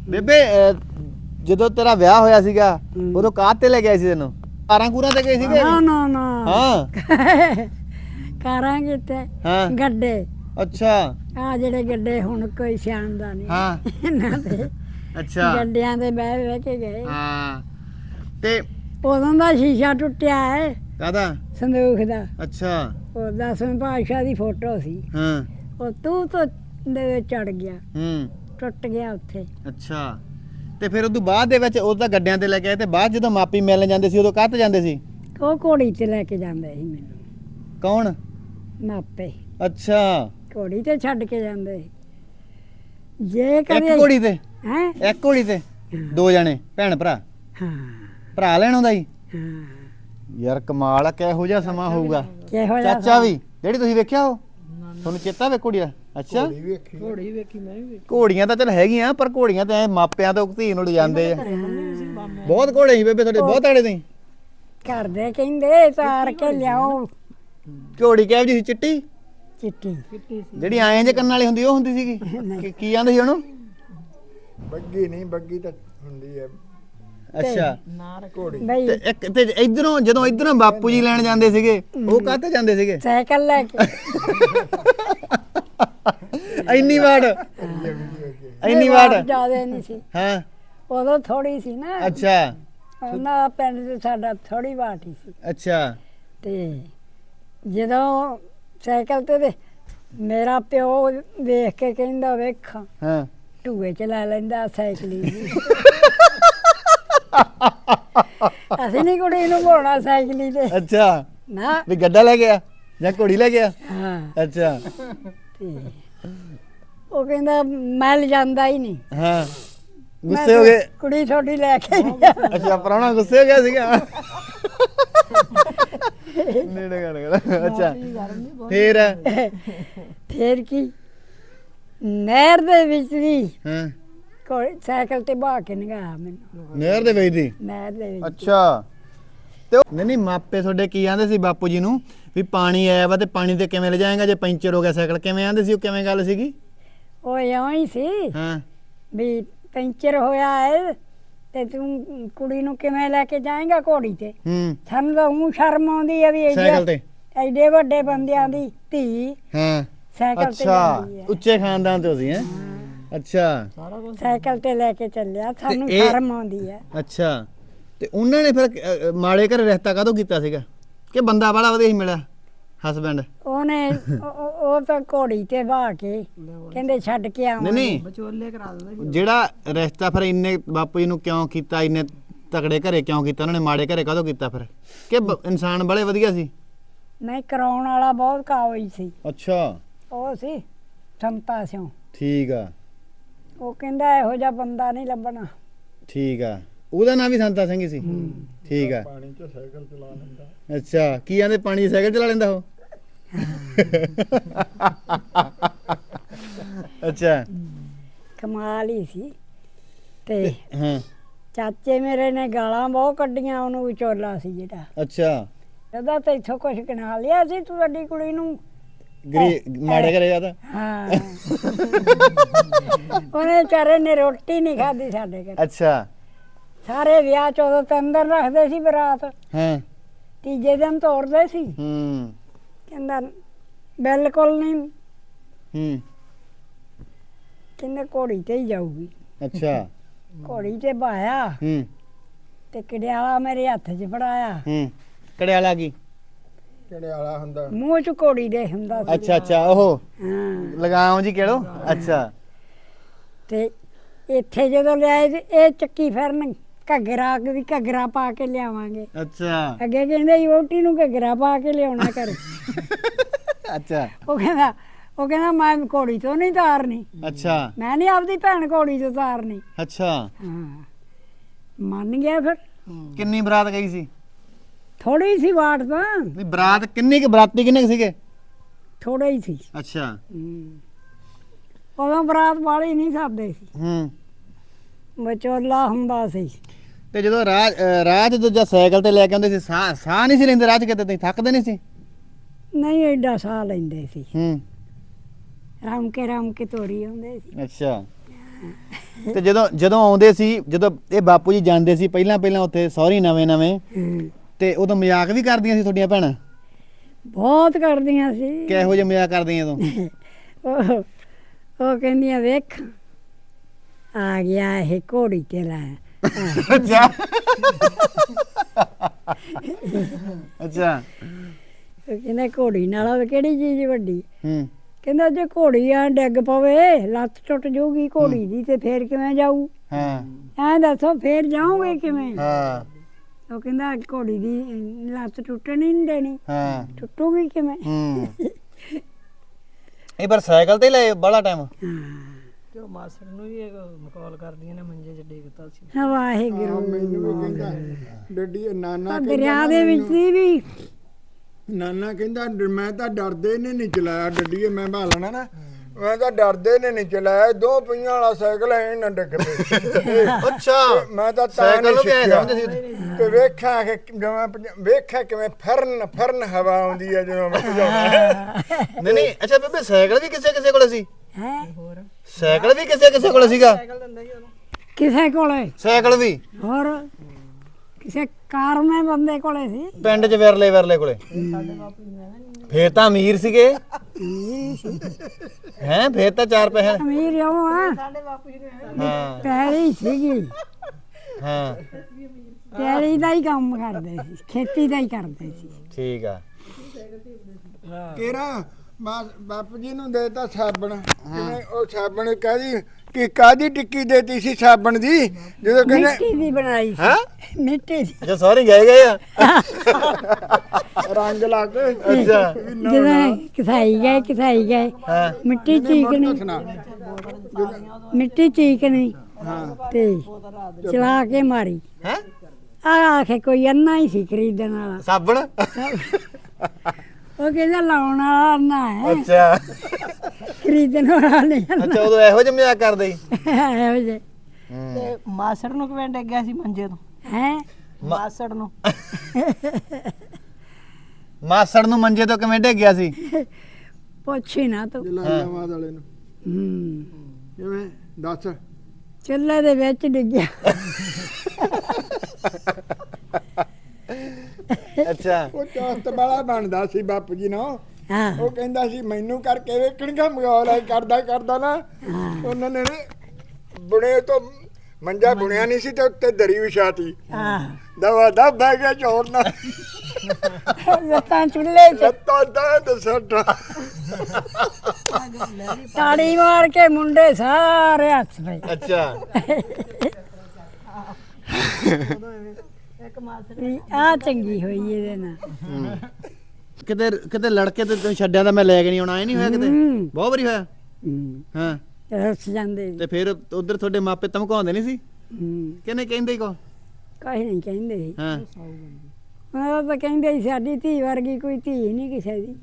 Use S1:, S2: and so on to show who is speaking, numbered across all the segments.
S1: ਬੇਬੇ ਜਦੋਂ ਤੇਰਾ ਵਿਆਹ ਹੋਇਆ ਸੀਗਾ ਉਦੋਂ ਕਾਹ ਤੇ ਲੈ ਕੇ ਆਏ ਸੀ ਤੈਨੂੰ? ਕਾਰਾਂ ਕੂਰਾਂ ਤੇ ਗਏ ਸੀਗੇ?
S2: ਨਾ
S1: ਹਾਂ
S2: ਕਾਰਾਂ ਕਿਤੇ
S1: ਹਾਂ
S2: ਗੱਡੇ।
S1: ਅੱਛਾ
S2: ਆ ਜਿਹੜੇ ਗੱਡੇ ਹੁਣ ਕੋਈ ਸਿਆਣਦਾ ਨਹੀਂ।
S1: ਹਾਂ
S2: ਇਹਨਾਂ ਦੇ
S1: ਅੱਛਾ
S2: ਗੱਡਿਆਂ ਤੇ ਬਹਿ ਕੇ ਗਏ।
S1: ਹਾਂ ਤੇ
S2: ਉਦੋਂ ਦਾ ਸ਼ੀਸ਼ਾ ਟੁੱਟਿਆ ਹੈ
S1: ਕਾਹਦਾ?
S2: ਸੰਦੂਖ ਦਾ।
S1: ਅੱਛਾ
S2: ਉਹ 10ਵੇਂ ਪਾਤਸ਼ਾਹ ਦੀ ਫੋਟੋ ਸੀ।
S1: ਹਾਂ
S2: ਉਹ ਤੂੰ ਤੋਂ ਦੇ ਵਿੱਚ ਚੜ ਗਿਆ, ਟੁੱਟ ਗਿਆ ਉੱਥੇ।
S1: ਅੱਛਾ ਤੇ ਫਿਰ ਉਦੋਂ ਬਾਅਦ ਦੇ ਵਿੱਚ ਉਹ ਤਾਂ ਗੱਡਿਆਂ ਤੇ ਲੈ ਕੇ ਆਏ ਤੇ ਬਾਅਦ ਜਦੋਂ ਮਾਪੀ ਮਿਲਣ ਜਾਂਦੇ ਸੀ ਉਦੋਂ ਕਾਹ ਤੇ ਜਾਂਦੇ ਸੀ?
S2: ਉਹ ਘੋੜੀ ਤੇ ਲੈ ਕੇ ਜਾਂਦੇ ਸੀ ਮੈਨੂੰ
S1: ਕੌਣ?
S2: ਮਾਪੇ।
S1: ਅੱਛਾ
S2: ਘੋੜੀ ਤੇ ਛੱਡ ਕੇ ਜਾਂਦੇ ਸੀ। ਜੇ
S1: ਇੱਕ
S2: ਕਦੇ
S1: ਘੋੜੀ ਤੇ?
S2: ਹੈ
S1: ਇੱਕ ਘੋੜੀ ਤੇ ਦੋ ਜਣੇ ਭੈਣ ਭਰਾ?
S2: ਹਾਂ
S1: ਭਰਾ ਲੈਣ ਆਉਂਦਾ ਜੀ?
S2: ਹਾਂ।
S1: ਯਾਰ ਕਮਾਲ ਆ, ਕਿਹੋ ਜਿਹਾ ਸਮਾਂ ਹੋਊਗਾ।
S2: ਕਿਹੋ ਜਿਹਾ
S1: ਚਾਚਾ ਵੀ ਜਿਹੜੀ ਤੁਸੀਂ ਵੇਖਿਆ ਉਹ ਤੁਹਾਨੂੰ ਚੇਤਾ ਵੇ ਘੋੜੀ ਦਾ? ਅੱਛਾ
S3: ਘੋੜੀ ਵੇਖੀ ਮੈਂ ਵੀ ਵੇਖੀ।
S1: ਘੋੜੀਆਂ ਤਾਂ ਚਲ ਹੈਗੀਆਂ ਪਰ ਘੋੜੀਆਂ ਤਾਂ ਐ ਮਾਪਿਆਂ ਤੋਂ ਧੀ ਨੂੰ ਲਿਜਾਂਦੇ ਆ। ਬਹੁਤ ਘੋੜੇ ਸੀ ਬੇਬੇ ਤੁਹਾਡੇ? ਬਹੁਤ ਆੜੇ ਤੁਸੀਂ?
S2: ਘਰ ਦੇ ਕਹਿੰਦੇ ਤਾਰ ਕੇ ਲਿਆਓ।
S1: ਘੋੜੀ ਕਿਹੋ ਜਿਹੀ ਸੀ? ਚਿੱਟੀ
S2: ਚਿੱਟੀ
S1: ਜਿਹੜੀ ਐਂ ਜੇ ਕੰਨ ਵਾਲੀ ਹੁੰਦੀ ਉਹ ਹੁੰਦੀ ਸੀਗੀ? ਕੀ ਆਂਦੇ ਸੀ ਉਹਨੂੰ?
S3: ਬੱਗੀ ਨਹੀਂ, ਬੱਗੀ ਤਾਂ ਹੁੰਦੀ ਹੈ
S1: ਅੱਛਾ
S3: ਘੋੜੀ।
S2: ਬਈ
S1: ਤੇ ਇੱਕ ਤੇ ਇਧਰੋਂ ਜਦੋਂ ਇਧਰੋਂ ਬਾਪੂ ਜੀ ਲੈਣ ਜਾਂਦੇ ਸੀਗੇ ਉਹ ਕਾਹਤੇ ਜਾਂਦੇ ਸੀਗੇ?
S2: ਸਾਈਕਲ ਲੈ ਕੇ।
S1: ਇੰਨੀ ਵਾਰ ਇੰਨੀ ਵਾਰ?
S2: ਜ਼ਿਆਦਾ ਨਹੀਂ ਸੀ
S1: ਹਾਂ
S2: ਉਦੋਂ, ਥੋੜੀ ਸੀ ਨਾ।
S1: ਅੱਛਾ
S2: ਉਹਨਾਂ ਦਾ ਪਿੰਡ ਤੇ ਸਾਡਾ ਥੋੜੀ ਬਾਟੀ ਸੀ।
S1: ਅੱਛਾ
S2: ਤੇ ਜਦੋਂ ਸਾਈਕਲ ਤੇ ਮੇਰਾ ਪਿਓ ਵੇਖ ਕੇ ਕਹਿੰਦਾ ਵੇਖ
S1: ਹਾਂ
S2: ਢੂਏ ਚ ਲੈ ਲੈਂਦਾ ਸਾਈਕਲੀ। ਅਸੀਂ ਨਹੀਂ ਕੁੜੀ ਨੂੰ ਘੋੜਾ ਸਾਈਕਲੀ ਤੇ
S1: ਅੱਛਾ
S2: ਨਾ।
S1: ਵੀ ਗੱਡਾ ਲੈ ਗਿਆ ਜਾਂ ਘੋੜੀ ਲੈ ਗਿਆ?
S2: ਹਾਂ
S1: ਅੱਛਾ
S2: ਤੇ ਉਹ ਕਹਿੰਦਾ ਮੈਂ ਲਿਜਾਂਦਾ ਹੀ ਨਹੀਂ।
S1: ਹਾਂ ਗੁੱਸੇ ਹੋ ਗਏ?
S2: ਕੁੜੀ ਛੋਟੀ ਲੈ ਕੇ ਗਿਆ।
S1: ਅੱਛਾ ਪ੍ਰਾਹੁਣਾ ਗੁੱਸੇ ਹੋ ਗਿਆ ਸੀਗਾ? ਨੇੜੇ ਕਰ ਅੱਛਾ
S2: ਫੇਰ ਕੀ ਨਹਿਰ ਦੇ ਵਿੱਚ ਵੀ
S1: ਹਾਂ
S2: ਸਾਈਕਲ ਤੇ ਬਹਾ ਕੇ ਨਗਾ ਮੈਨੂੰ
S1: ਨਹਿਰ ਦੇ ਵਿੱਚ ਦੀ?
S2: ਨਹਿਰ ਦੇ ਵਿੱਚ।
S1: ਅੱਛਾ ਤੇ ਨਹੀਂ ਮਾਪੇ ਤੁਹਾਡੇ ਕੀ ਆਂਦੇ ਸੀ ਬਾਪੂ ਜੀ ਨੂੰ ਵੀ ਪਾਣੀ ਆਇਆ ਵਾ ਤੇ ਪਾਣੀ ਤੇ ਕਿਵੇਂ ਲੈ ਜਾਏਗਾ ਜੇ ਪੈਂਚਰ ਹੋ ਗਿਆ ਸਾਈਕਲ? ਕਿਵੇਂ ਆਂਦੇ ਸੀ ਉਹ? ਕਿਵੇਂ ਗੱਲ ਸੀਗੀ?
S2: ਉਹ ਇਉਂ ਹੀ ਸੀ
S1: ਹਾਂ
S2: ਵੀ ਪੈਂਚਰ ਹੋਇਆ ਹੈ ਤੇ ਤੂੰ ਕੁੜੀ ਨੂੰ ਕਿਵੇਂ ਲੈ ਕੇ ਜਾਏਗਾ ਘੋੜੀ ਤੇ? ਸਾਨੂੰ ਤਾਂ ਊਂ ਸ਼ਰਮ ਆਉਂਦੀ ਹੈ ਵੀ
S1: ਸਾਈਕਲ ਤੇ
S2: ਐਡੇ ਵੱਡੇ ਬੰਦਿਆਂ ਦੀ ਧੀ
S1: ਹਾਂ
S2: ਸਾਈਕਲ ਤੇ
S1: ਅੱਛਾ
S2: ਜਾਂਦੀ ਹੈ।
S1: ਉੱਚੇ ਖਾਨਦਾਨ ਤੋਂ ਸੀ ਹੈ? ਅੱਛਾ
S2: ਸਾਈਕਲ ਤੇ ਲੈ ਕੇ ਚੱਲਿਆ, ਸਾਨੂੰ
S1: ਇਹ-
S2: ਸ਼ਰਮ ਆਉਂਦੀ ਹੈ।
S1: ਅੱਛਾ ਤੇ ਉਹਨਾਂ ਨੇ ਫਿਰ ਮਾੜੇ ਘਰੇ ਰਿਸ਼ਤਾ ਕਾਹਦੋਂ ਕੀਤਾ ਸੀਗਾ ਕਿ ਬੰਦਾ ਬੜਾ ਵਧੀਆ ਹੀ ਮਿਲਿਆ ਹਸਬੈਂਡ?
S2: ਉਹਨੇ ਉਹ ਤਾਂ ਘੋੜੀ ਤੇ ਬਹਾ ਕੇ ਕਹਿੰਦੇ ਛੱਡ ਕੇ
S1: ਨਹੀਂ
S2: ਆਵਾਂ।
S1: ਨਹੀਂ
S3: ਵਿਚੋਲੇ ਕਰਾ ਦਿੰਦੇ।
S1: ਜਿਹੜਾ ਰਿਸ਼ਤਾ ਫਿਰ ਇੰਨੇ ਬਾਪੂ ਜੀ ਨੂੰ ਕਿਉਂ ਕੀਤਾ? ਇੰਨੇ ਤਕੜੇ ਘਰੇ ਕਿਉਂ ਕੀਤਾ ਉਹਨਾਂ ਨੇ? ਮਾੜੇ ਘਰੇ ਕਾਹਦੋਂ ਕੀਤਾ ਫਿਰ ਕਿ ਇਨਸਾਨ ਬੜੇ ਵਧੀਆ ਸੀ?
S2: ਨਹੀਂ ਕਰਾਉਣ ਵਾਲਾ ਬਹੁਤ ਕਾਬਜ ਸੀ।
S1: ਅੱਛਾ
S2: ਉਹ ਸੀ ਸੰਤਾ ਸਿਓ।
S1: ਠੀਕ ਆ
S2: ਉਹ ਕਹਿੰਦਾ ਇਹੋ ਜਿਹਾ ਬੰਦਾ ਨਹੀਂ ਲੱਭਣਾ।
S1: ਠੀਕ ਆ ਉਹਦਾ ਨਾਂ ਵੀ ਸੰਤਾ ਸਿੰਘ ਹੀ ਸੀ? ਠੀਕ ਆ
S3: ਪਾਣੀ 'ਚ ਸਾਈਕਲ ਚਲਾ ਲੈਂਦਾ।
S1: ਅੱਛਾ ਕੀ ਆਂਦੇ ਪਾਣੀ 'ਚ ਸਾਈਕਲ ਚਲਾ ਲੈਂਦਾ ਉਹ? ਅੱਛਾ
S2: ਕਮਾਲ ਹੀ ਸੀ। ਤੇ
S1: ਹਾਂ
S2: ਚਾਚੇ ਮੇਰੇ ਨੇ ਗਾਲਾਂ ਬਹੁਤ ਕੱਢੀਆਂ ਉਹਨੂੰ, ਵਿਚੋਲਾ ਸੀ ਜਿਹੜਾ।
S1: ਅੱਛਾ
S2: ਕਹਿੰਦਾ ਤੇ ਇੱਥੋਂ ਕੁਛ ਕਨਾ ਲਿਆ ਸੀ ਤੂੰ ਵੱਡੀ ਕੁੜੀ ਨੂੰ।
S1: ਮਾੜੇ ਘਰੇ ਜਾਂਦਾ?
S2: ਹਾਂ ਉਹਨੇ ਵਿਚਾਰੇ ਨੇ ਰੋਟੀ ਨਹੀਂ ਖਾਧੀ ਸਾਡੇ ਘਰ।
S1: ਅੱਛਾ
S2: ਸਾਰੇ ਵਿਆਹ ਚ ਉਦੋਂ ਤੇ ਅੰਦਰ ਰੱਖਦੇ ਸੀ ਬਰਾਤ,
S1: ਹਾਂ
S2: ਤੀਜੇ ਦਿਨ ਤੋਰਦੇ ਸੀ। ਕਹਿੰਦਾ ਬਿਲਕੁਲ ਨਹੀਂ, ਕਹਿੰਦੇ ਘੋੜੀ ਤੇ ਹੀ ਜਾਊਗੀ।
S1: ਅੱਛਾ
S2: ਘੋੜੀ ਤੇ ਬਾਇਆ ਤੇ ਕਿੜਿਆਲਾ ਮੇਰੇ ਹੱਥ 'ਚ ਫੜਾਇਆ।
S1: ਕੜਿਆਲਾ ਕੀ?
S3: ਕਿਹੜੇ ਵਾਲਾ ਹੁੰਦਾ?
S2: ਮੂੰਹ 'ਚ ਘੋੜੀ ਦੇ ਹੁੰਦਾ ਸੀ।
S1: ਅੱਛਾ ਅੱਛਾ ਉਹ
S2: ਹਾਂ
S1: ਲਗਾਓ ਜੀ ਕਿਹੜੋ? ਅੱਛਾ
S2: ਤੇ ਇੱਥੇ ਜਦੋਂ ਲਿਆਏ ਤੇ ਇਹ ਚੱਕੀ ਫਿਰਨ ਘੱਗਰਾ ਵੀ ਘੱਗਰਾ ਪਾ ਕੇ ਲਿਆਵਾਂਗੇ।
S1: ਅੱਛਾ
S2: ਅੱਗੇ ਕਹਿੰਦੇ ਵੋਟੀ ਨੂੰ ਘੱਗਰਾ ਪਾ ਕੇ ਲਿਆਉਣਾ ਕਰ।
S1: ਅੱਛਾ
S2: ਉਹ ਕਹਿੰਦਾ ਮੈਂ ਘੋੜੀ ਤੋਂ ਨਹੀਂ ਤਾਰਨੀ,
S1: ਅੱਛਾ
S2: ਮੈਂ ਨਹੀਂ ਆਪਦੀ ਭੈਣ ਘੋੜੀ ਤੋਂ ਤਾਰਨੀ।
S1: ਅੱਛਾ
S2: ਹਾਂ ਮੰਨ ਗਿਆ ਫਿਰ।
S1: ਕਿੰਨੀ ਬਰਾਤ ਗਈ ਸੀ?
S2: ਥੋੜੀ ਸੀ ਵਾਟ ਤਾਂ,
S1: ਨਹੀਂ ਬਰਾਤ ਕਿੰਨੀ ਕਿ ਬਰਾਤੀ ਕਿੰਨੇ ਕੁ ਸੀਗੇ?
S2: ਥੋੜਾ ਹੀ ਸੀ।
S1: ਅੱਛਾ
S2: ਉਦੋਂ ਬਰਾਤ ਵਾਲੀ ਨਹੀਂ ਸਕਦੇ ਸੀ, ਵਿਚੋਲਾ ਹੁੰਦਾ ਸੀ।
S1: ਤੇ ਜਦੋਂ ਰਾਹ ਚ ਦੂਜਾ ਸਾਈਕਲ ਤੇ ਲੈ ਕੇ ਆਉਂਦੇ ਸੀ ਸਾਹ ਨਹੀਂ ਸੀ ਲੈਂਦੇ ਰਾਹ ਚ ਕਿਤੇ? ਤੁਸੀਂ ਥੱਕਦੇ ਨਹੀਂ ਸੀ?
S2: ਨਹੀਂ ਐਡਾ ਸਾਹ ਲੈਂਦੇ ਸੀ, ਰਮ ਕੇ ਤੋਰੀ ਆਉਂਦੇ ਸੀ।
S1: ਅੱਛਾ ਤੇ ਜਦੋਂ ਜਦੋਂ ਆਉਂਦੇ ਸੀ, ਜਦੋਂ ਇਹ ਬਾਪੂ ਜੀ ਜਾਂਦੇ ਸੀ ਪਹਿਲਾਂ ਉੱਥੇ ਸਹੁਰੀ ਨਵੇਂ ਤੇ ਉਦੋਂ ਮਜ਼ਾਕ ਵੀ ਕਰਦੀਆਂ ਸੀ ਤੁਹਾਡੀਆਂ ਭੈਣਾਂ?
S2: ਬਹੁਤ ਕਰਦੀਆਂ ਸੀ।
S1: ਕਿਹੋ ਜਿਹਾ ਮਜ਼ਾਕ ਕਰਦੀਆਂ ਤੂੰ?
S2: ਉਹ ਕਹਿੰਦੀਆਂ ਵੇਖ ਆ ਗਿਆ ਇਹ ਘੋੜੀ ਤੇ ਲੈ।
S1: ਅੱਛਾ ਅੱਛਾ।
S2: ਉਹ ਕਹਿੰਦਾ ਘੋੜੀ ਨਾਲ ਕਿਹੜੀ ਚੀਜ਼ ਵੱਡੀ।
S1: ਹੂੰ।
S2: ਕਹਿੰਦਾ ਜੇ ਘੋੜੀ ਆ ਡਿੱਗ ਪਵੇ ਲੱਤ ਟੁੱਟ ਜਾਊਗੀ ਘੋੜੀ ਦੀ ਤੇ ਫੇਰ ਕਿਵੇਂ ਜਾਊ?
S1: ਹਾਂ
S2: ਐਂ ਦੱਸੋ ਫੇਰ ਜਾਓਗੇ ਕਿਵੇਂ?
S1: ਹਾਂ
S2: ਉਹ ਕਹਿੰਦਾ ਘੋੜੀ ਦੀ ਲੱਤ ਟੁੱਟਣ ਹੀ ਨਹੀਂ ਦੇਣੀ।
S1: ਹਾਂ
S2: ਟੁੱਟੂਗੀ ਕਿਵੇਂ?
S1: ਹੂੰ। ਇਹ ਪਰ ਸਾਈਕਲ ਤੇ ਲਏ ਬੜਾ ਟਾਈਮ?
S4: ਤੇ ਉਹ ਮਾਸੜ ਨੂੰ ਵੀ ਮਕੌਲ ਕਰਦੀਆਂ ਨੇ ਮੰਜੇ 'ਚ ਡੇਗਤਾ ਸੀ।
S2: ਵਾਹਿਗੁਰੂ।
S3: ਮੈਨੂੰ ਵੀ ਕਹਿੰਦਾ ਡੱਡੀ ਨਾਨਾ
S2: ਦਰਿਆ ਦੇ ਵਿੱਚ ਸੀ ਵੀ
S3: ਨਾਨਾ ਕਹਿੰਦਾ ਮੈਂ ਤਾਂ ਡਰਦੇ ਨੇ ਨਹੀਂ ਚਲਾਇਆ ਡੱਡੀਏ, ਮੈਂ ਭਾਲਣਾ ਨਾ, ਮੈਂ ਤਾਂ ਡਰਦੇ ਨੇ ਨਹੀਂ ਚਲਾਇਆ, 2 ਪਹੀਆਂ ਵਾਲਾ ਸਾਈਕਲ ਐ ਨਾ ਡਿੱਗ ਪਏ।
S1: ਅੱਛਾ
S3: ਮੈਂ ਤਾਂ
S1: ਸਾਈਕਲ ਨੂੰ ਵੀ ਐਂ
S3: ਸਿੱਖਿਆ।
S1: ਸਮਝਦੇ ਸੀ?
S3: ਤੇ ਵੇਖਿਆ ਕਿ ਜਿਵੇਂ ਵੇਖਿਆ ਕਿਵੇਂ ਫਰਨ ਹਵਾ ਆਉਂਦੀ ਹੈ ਜਦੋਂ ਮੈਂ ਭਜਾਉਂਦਾ।
S1: ਨਹੀਂ ਅੱਛਾ ਬੇਬੇ ਸਾਈਕਲ ਵੀ ਕਿਸੇ ਕੋਲ ਸੀ?
S2: ਹੈ
S1: ਸਾਈਕਲ ਵੀ ਕਿਸੇ ਕੋਲ ਸੀਗਾ?
S2: ਕਿਸੇ ਕੋਲੇ
S1: ਸਾਈਕਲ ਵੀ?
S2: ਹੋਰ ਕਿਸੇ ਕਾਰਮੇ ਬੰਦੇ ਕੋਲੇ ਸੀ।
S1: ਪਿੰਡ 'ਚ ਵਿਰਲੇ ਕੋਲੇ? ਫੇਰ ਤਾਂ ਅਮੀਰ ਸੀਗੇ ਹੈ, ਫੇਰ ਤਾਂ 4 ਪੈਸੇ।
S2: ਅਮੀਰ ਉਹ ਆ
S1: ਹਾਂ
S2: ਪੈਲੀ ਸੀਗੀ,
S1: ਹਾਂ
S2: ਪੈਲੀ ਦਾ ਹੀ ਕੰਮ ਕਰਦੇ ਸੀ, ਖੇਤੀ ਦਾ ਹੀ ਕਰਦੇ ਸੀ।
S1: ਠੀਕ ਆ।
S3: ਕਿਹੜਾ ਬਾਪੂ ਜੀ ਨੂੰ ਦੇਤਾ ਸਾਬਣ, ਕਿਵੇਂ ਉਹ ਸਾਬਣ ਕਾਦੀ ਟਿੱਕੀ ਦੇਤੀ ਸੀ ਸਾਬਣ ਦੀ, ਜਦੋਂ ਕਹਿੰਦੇ
S2: ਮਿੱਟੀ ਦੀ ਬਣਾਈ ਸੀ।
S1: ਹੈਂ?
S2: ਮਿੱਟੀ ਦੀ
S1: ਅੱਛਾ ਸਾਰੇ ਗਏ ਆ
S3: ਰੰਗ ਲਾ ਕੇ।
S1: ਅੱਛਾ
S2: ਜਦੋਂ ਕਿਸਾਈ ਗਏ
S1: ਹਾਂ
S2: ਮਿੱਟੀ ਚੀਕਣੀ, ਮਿੱਟੀ ਚੀਕਣੀ ਤੇ ਚਲਾ ਕੇ ਮਾਰੀ।
S1: ਹੈ
S2: ਆਖੇ ਕੋਈ ਅੰਨਾ ਹੀ ਸੀ ਖਰੀਦਣ ਵਾਲਾ।
S1: ਸਾਬਣ?
S2: ਉਹ ਕਹਿੰਦਾ ਲਾਉਣ ਵਾਲਾ ਅੰਨਾ ਹੈ,
S1: ਅੱਛਾ
S2: ਖਰੀਦਣ ਵਾਲਾ ਨਹੀਂ।
S1: ਅੱਛਾ ਉਦੋਂ ਇਹੋ ਜਿਹਾ ਮਜ਼ਾਕ ਕਰਦੇ ਸੀ?
S2: ਇਹੋ ਜਿਹੇ
S4: ਤੇ ਮਾਸੜ ਨੂੰ ਕਿਵੇਂ ਡਿੱਗਿਆ ਸੀ ਮੰਜੇ ਤੋਂ?
S2: ਹੈ
S4: ਮਾਸੜ ਨੂੰ
S1: ਮਾਸੜ ਨੂੰ ਮੰਜੇ ਤੋਂ ਕਿਵੇਂ ਡਿੱਗਿਆ ਸੀ?
S2: ਪੁੱਛੀ ਨਾ ਤੂੰ।
S3: ਜਲਾਲਾਬਾਦ ਵਾਲੇ ਨੂੰ ਕਿਵੇਂ ਦੱਸ।
S2: ਚੁੱਲ੍ਹੇ ਦੇ ਵਿੱਚ ਡਿੱਗਿਆ।
S1: ਅੱਛਾ
S3: ਉਹ ਚੌਸਤ ਵਾਲਾ ਬਣਦਾ ਸੀ ਬਾਪੂ ਜੀ ਨਾਲ।
S2: ਹਾਂ
S3: ਉਹ ਕਹਿੰਦਾ ਸੀ ਮੈਨੂੰ ਕਰਕੇ ਵੇਖਣਗਾ ਮਗੌਲ ਐ ਕਰਦਾ ਨਾ। ਉਹਨਾਂ ਨੇ ਬੁਣੇ ਤੋਂ ਮੰਜਾ ਬੁਣਿਆ ਨਹੀਂ ਸੀ ਤੇ ਉੱਤੇ ਦਰੀ ਵਿਛਾਤੀ,
S2: ਹਾਂ
S3: ਦਵਾ ਦਬ ਬਹਿ ਗਿਆ ਚੋਰ ਨਾਲ।
S2: ਲੱਤਾਂ ਚੁੱਲ੍ਹੇ 'ਚ
S3: ਲੱਤਾਂ ਦਾ ਸੱਟਾ।
S2: ਤਾੜੀ ਮਾਰ ਕੇ ਮੁੰਡੇ ਸਾਰੇ ਹੱਸ ਪਏ।
S1: ਅੱਛਾ
S2: ਵੀ ਆ ਚੰਗੀ ਹੋਈ ਇਹਦੇ ਨਾਲ।
S1: ਕਿਤੇ ਲੜਕੇ ਤੇ ਤੂੰ ਛੱਡਿਆ ਤਾਂ ਮੈਂ ਲੈ ਕੇ ਨਹੀਂ ਆਉਣਾ, ਇਹ ਨਹੀਂ ਹੋਇਆ ਕਿਤੇ? ਬਹੁਤ ਵਾਰੀ ਹੋਇਆ। ਹਾਂ
S2: ਰਸ ਜਾਂਦੇ ਸੀ।
S1: ਤੇ ਫਿਰ ਉਧਰ ਤੁਹਾਡੇ ਮਾਪੇ ਧਮਕਾਉਂਦੇ ਨਹੀਂ ਸੀ? ਕਿਹਨੇ ਕਹਿੰਦੇ ਕੋ?
S2: ਕਾਹੀ ਨਹੀਂ ਕਹਿੰਦੇ ਸੀ।
S1: ਹਾਂ
S2: ਉਹ ਤਾਂ ਕਹਿੰਦੇ ਸੀ ਸਾਡੀ ਧੀ ਵਰਗੀ ਕੋਈ ਧੀ ਨਹੀਂ ਕਿਸੇ ਦੀ।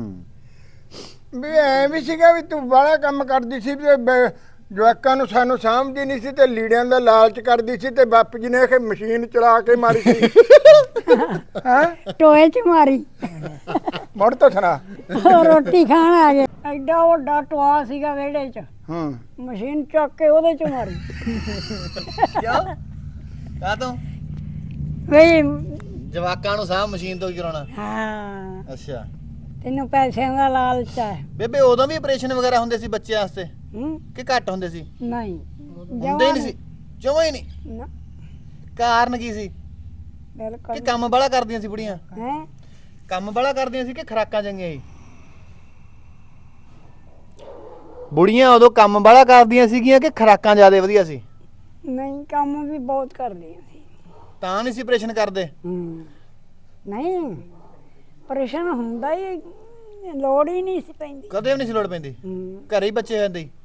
S3: ਵੀ ਐ ਵੀ ਸੀਗਾ ਵੀ ਤੂੰ ਬਾਹਲਾ ਕੰਮ ਕਰਦੀ ਸੀ ਤੇ ਜਵਾਕਾਂ ਨੂੰ ਸਾਨੂੰ ਸਮਝਦੀ ਨਹੀਂ ਸੀ ਤੇ ਲੀੜਿਆਂ ਦਾ ਲਾਲਚ ਕਰਦੀ ਸੀ ਤੇ ਬਾਪੂ ਜੀ ਨੇ ਇਹ ਮਸ਼ੀਨ ਚਲਾ ਕੇ ਮਾਰੀ ਸੀ। ਹਾਂ
S2: ਟੋਏ 'ਚ ਮਾਰੀ।
S3: ਮੁੜ ਤੋਂ ਸੁਣਾ।
S2: ਉਹ ਰੋਟੀ ਖਾਣ ਆ ਗਏ, ਐਡਾ ਵੱਡਾ ਟੋਆ ਸੀਗਾ ਵਿਹੜੇ 'ਚ,
S3: ਹਾਂ
S2: ਮਸ਼ੀਨ ਚੱਕ ਕੇ ਉਹਦੇ 'ਚ ਮਾਰੀ।
S1: ਕਿਉਂ ਕਾ ਤੂੰ
S2: ਬਈ
S1: ਜਵਾਕਾਂ ਨੂੰ ਸਾਹ ਮਸ਼ੀਨ ਤੋਂ ਚਲਾਉਣਾ?
S2: ਹਾਂ
S1: ਅੱਛਾ
S2: ਤੈਨੂੰ ਪੈਸਿਆਂ ਦਾ ਲਾਲਚ ਹੈ।
S1: ਬੇਬੇ ਉਦੋਂ ਵੀ ਆਪਰੇਸ਼ਨ ਵਗੈਰਾ ਹੁੰਦੇ ਸੀ ਬੱਚਿਆਂ ਵਾਸਤੇ
S2: ਹੂੰ
S1: ਕਿ ਘੱਟ ਹੁੰਦੇ ਸੀ?
S2: ਨਹੀਂ
S1: ਹੁੰਦੇ ਹੀ ਨਹੀਂ ਸੀ ਜਮਾਂ ਹੀ ਨਹੀਂ?
S2: ਨਾ
S1: ਕਾਰਨ ਕੀ ਸੀ?
S2: ਬਿਲਕੁਲ
S1: ਕਿ ਕੰਮ ਬੜਾ ਕਰਦੀਆਂ ਸੀ ਬੁੜੀਆਂ?
S2: ਹੈ
S1: ਕੰਮ ਬੜਾ ਕਰਦੀਆਂ ਸੀ ਕਿ ਖੁਰਾਕਾਂ ਚੰਗੀਆਂ ਸੀ? ਬੁੜੀਆਂ ਉਦੋਂ ਕੰਮ ਬੜਾ ਕਰਦੀਆਂ ਸੀਗੀਆਂ ਕਿ ਖੁਰਾਕਾਂ ਜ਼ਿਆਦਾ ਵਧੀਆ ਸੀ?
S2: ਨਹੀਂ ਕੰਮ ਵੀ ਬਹੁਤ ਕਰਦੀਆਂ ਸੀ।
S1: ਤਾਂ ਨਹੀਂ ਸੀ ਆਪਰੇਸ਼ਨ ਕਰਦੇ?
S2: ਨਹੀਂ ਆਪਰੇਸ਼ਨ ਹੁੰਦਾ ਹੀ ਲੋੜ ਹੀ ਨਹੀਂ ਸੀ ਪੈਂਦੀ।
S1: ਕਦੇ ਵੀ ਨਹੀਂ ਸੀ ਲੋੜ ਪੈਂਦੀ? ਘਰੇ ਹੀ ਬੱਚੇ ਹੁੰਦੇ ਸੀ?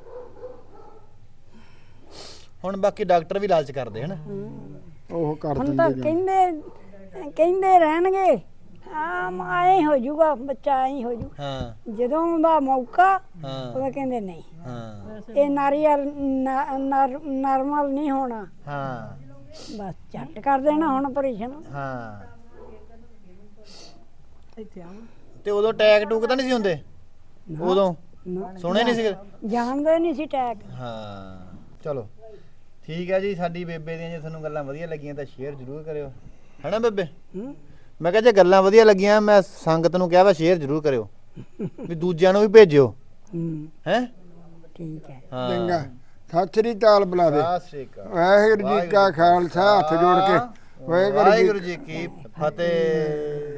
S1: ਹੁਣ ਬਾਕੀ ਡਾਕਟਰ ਵੀ ਲਾਲਚ ਕਰਦੇ ਹਨ।
S3: ਉਹ ਕਰ
S2: ਹੁਣ ਤਾਂ ਕਹਿੰਦੇ ਰਹਿਣਗੇ ਆਏ ਹੋ ਜਾਊਗਾ ਬੱਚਾ, ਐਂ ਹੋ ਜੂ।
S1: ਹਾਂ
S2: ਜਦੋਂ ਦਾ ਮੌਕਾ
S1: ਹਾਂ
S2: ਉਹ ਕਹਿੰਦੇ ਨਹੀਂ
S1: ਹਾਂ
S2: ਇਹ ਨਾਰਮਲ ਨਹੀਂ ਹੋਣਾ,
S1: ਹਾਂ
S2: ਬਸ ਝੱਟ ਕਰ ਦੇਣਾ ਹੁਣ ਆਪਰੇਸ਼ਨ।
S1: ਹਾਂ
S4: ਇੱਥੇ ਆਵਾਂ
S1: ਤੇ ਉਦੋਂ ਟੈਗ ਟੂਕ ਤਾਂ ਨਹੀਂ ਸੀ ਹੁੰਦੇ? ਉਦੋਂ
S2: ਨਾ,
S1: ਸੁਣੇ ਨਹੀਂ ਸੀ?
S2: ਜਾਣਦੇ ਨਹੀਂ ਸੀ ਟੈਕ।
S1: ਹਾਂ ਚਲੋ ਠੀਕ ਹੈ ਜੀ। ਸਾਡੀ ਬੇਬੇ ਦੀਆਂ ਜੇ ਤੁਹਾਨੂੰ ਗੱਲਾਂ ਵਧੀਆ ਲੱਗੀਆਂ ਤਾਂ ਸ਼ੇਅਰ ਜ਼ਰੂਰ ਕਰਿਓ, ਹੈਨਾ ਬੇਬੇ? ਮੈਂ ਕਿਹਾ ਜੇ ਗੱਲਾਂ ਵਧੀਆ ਲੱਗੀਆਂ ਮੈਂ ਸੰਗਤ ਨੂੰ ਕਿਹਾ ਵਾ ਸ਼ੇਅਰ ਜ਼ਰੂਰ ਕਰਿਓ ਵੀ ਦੂਜਿਆਂ ਨੂੰ ਵੀ ਭੇਜਿਓ ਹੈ।
S2: ਠੀਕ ਹੈ।
S1: ਹਾਂ
S3: ਚੰਗਾ, ਸਤਿ ਸ੍ਰੀ ਅਕਾਲ ਬੁਲਾ ਦੇ।
S1: ਸਤਿ ਸ੍ਰੀ ਅਕਾਲ।
S3: ਵਾਹਿਗੁਰੂ ਜੀ ਕਾ ਖਾਲਸਾ, ਹੱਥ ਜੋੜ ਕੇ
S1: ਵਾਹਿਗੁਰੂ ਜੀ ਕੀ ਫਤਿਹ।